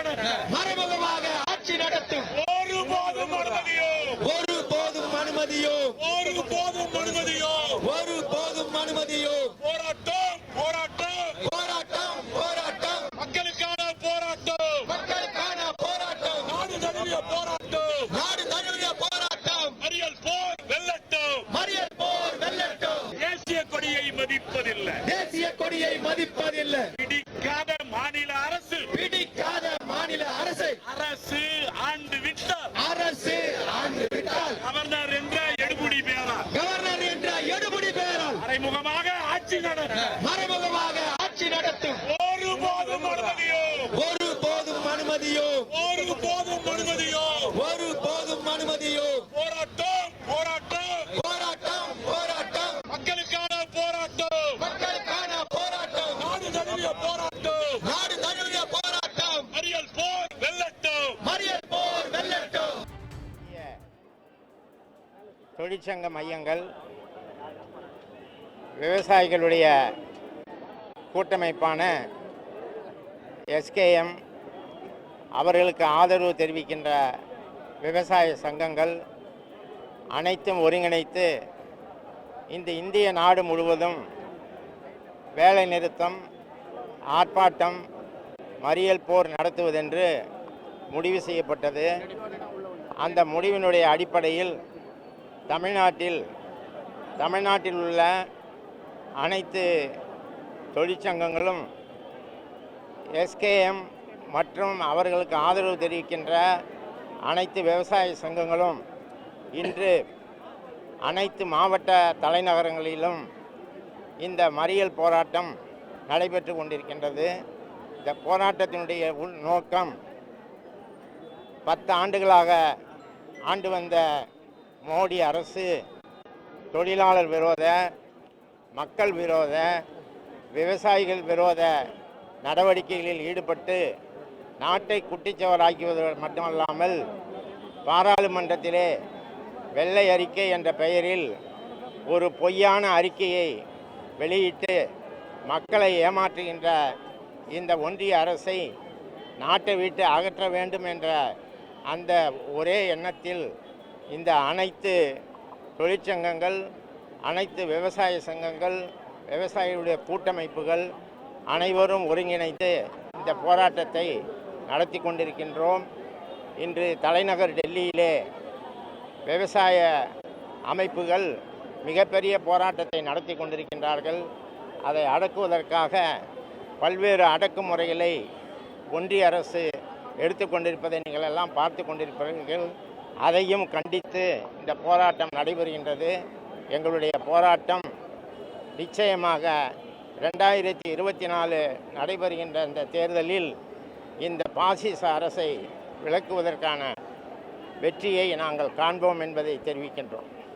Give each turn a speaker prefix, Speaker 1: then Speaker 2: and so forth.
Speaker 1: மறைமுகமாக ஆட்சி நடத்தும்
Speaker 2: ஒருபோதும் அனுமதியோ
Speaker 1: ஒருபோதும் அனுமதியோ
Speaker 2: ஒருபோதும் அனுமதியோ
Speaker 1: ஒருபோதும் அனுமதியோ
Speaker 2: போராட்டம் போராட்டம்
Speaker 1: போராட்டம் போராட்டம்
Speaker 2: மக்களுக்கான போராட்டம்
Speaker 1: மக்களுக்கான போராட்டம்
Speaker 2: நாடு தழுவிய போராட்டம்
Speaker 1: நாடு தழுவிய போராட்டம்
Speaker 2: மறியல் போர் வெல்லட்டும்
Speaker 1: மறியல் போர் வெல்லட்டும்
Speaker 2: தேசிய கொடியை மதிப்பதில்லை
Speaker 1: தேசிய கொடியை மதிப்பதில்லை
Speaker 2: பிடிக்காத மாநில அரசு
Speaker 1: பிடிக்காத மாநில அரசை
Speaker 2: அரசு ஆண்டு விட்டால்
Speaker 1: அரசு ஆண்டு விட்டால்
Speaker 2: கவர்னர் என்ற எடுபடி பேரால்
Speaker 1: கவர்னர் என்ற எடுபடி பெயரால்
Speaker 2: மறைமுகமாக ஆட்சி நடத்தும்
Speaker 1: மறைமுகமாக ஆட்சி நடத்தும்
Speaker 2: ஒருபோதும் அனுமதியோ
Speaker 1: ஒருபோதும் அனுமதியோ
Speaker 2: ஒருபோதும் அனுமதியோ
Speaker 1: ஒருபோதும் அனுமதியோ
Speaker 2: போராட்டம் போராட்டம்
Speaker 1: போராட்டம் போராட்டம்
Speaker 2: மக்களுக்கான போராட்டம்
Speaker 1: மக்களுக்கான போராட்டம்
Speaker 2: நாடு தழுவிய போராட்டம்
Speaker 1: நாடு தழுவிய போராட்டம்
Speaker 2: மறியல் போர் வெல்லட்டும்
Speaker 1: மறியல் போர் வெல்லட்டும்.
Speaker 3: தொழிற்சங்க மையங்கள் விவசாயிகளுடைய கூட்டமைப்பான எஸ்கேஎம், அவர்களுக்கு ஆதரவு தெரிவிக்கின்ற விவசாய சங்கங்கள் அனைத்தும் ஒருங்கிணைத்து இந்த இந்திய நாடு முழுவதும் வேலை நிறுத்தம், ஆர்ப்பாட்டம், மறியல் போர் நடத்துவதென்று முடிவு செய்யப்பட்டது. அந்த முடிவினுடைய அடிப்படையில் தமிழ்நாட்டில் உள்ள அனைத்து தொழிற்சங்கங்களும் எஸ்கேஎம் மற்றும் அவர்களுக்கு ஆதரவு தெரிவிக்கின்ற அனைத்து விவசாய சங்கங்களும் இன்று அனைத்து மாவட்ட தலைநகரங்களிலும் இந்த மறியல் போராட்டம் நடைபெற்று கொண்டிருக்கின்றது. இந்த போராட்டத்தினுடைய நோக்கம் 10 ஆண்டுகளாக ஆண்டு வந்த மோடி அரசு தொழிலாளர் விரோத, மக்கள் விரோத, விவசாயிகள் விரோத நடவடிக்கைகளில் ஈடுபட்டு நாட்டை குட்டிச்சவராக்குவது மட்டுமல்லாமல் பாராளுமன்றத்திலே வெள்ளை அறிக்கை என்ற பெயரில் ஒரு பொய்யான அறிக்கையை வெளியிட்டு மக்களை ஏமாற்றுகின்ற இந்த ஒன்றிய அரசை நாட்டை விட்டு அகற்ற வேண்டும் என்ற அந்த ஒரே எண்ணத்தில் இந்த அனைத்து தொழிற்சங்கங்கள், அனைத்து விவசாய சங்கங்கள், விவசாயிகளுடைய கூட்டமைப்புகள் அனைவரும் ஒருங்கிணைத்து இந்த போராட்டத்தை நடத்தி கொண்டிருக்கின்றோம். இன்று தலைநகர் டெல்லியிலே விவசாய அமைப்புகள் மிகப்பெரிய போராட்டத்தை நடத்தி கொண்டிருக்கின்றார்கள். அதை அடக்குவதற்காக பல்வேறு அடக்குமுறைகளை ஒன்றிய அரசு எடுத்துக்கொண்டிருப்பதை நீங்கள் எல்லாம் பார்த்து கொண்டிருப்பீர்கள். அதையும் கண்டித்து இந்த போராட்டம் நடைபெறுகின்றது. எங்களுடைய போராட்டம் நிச்சயமாக 2024 நடைபெறுகின்ற இந்த தேர்தலில் இந்த பாசிச அரசை விலக்குவதற்கான வெற்றியை நாங்கள் காண்போம் என்பதை தெரிவிக்கின்றோம்.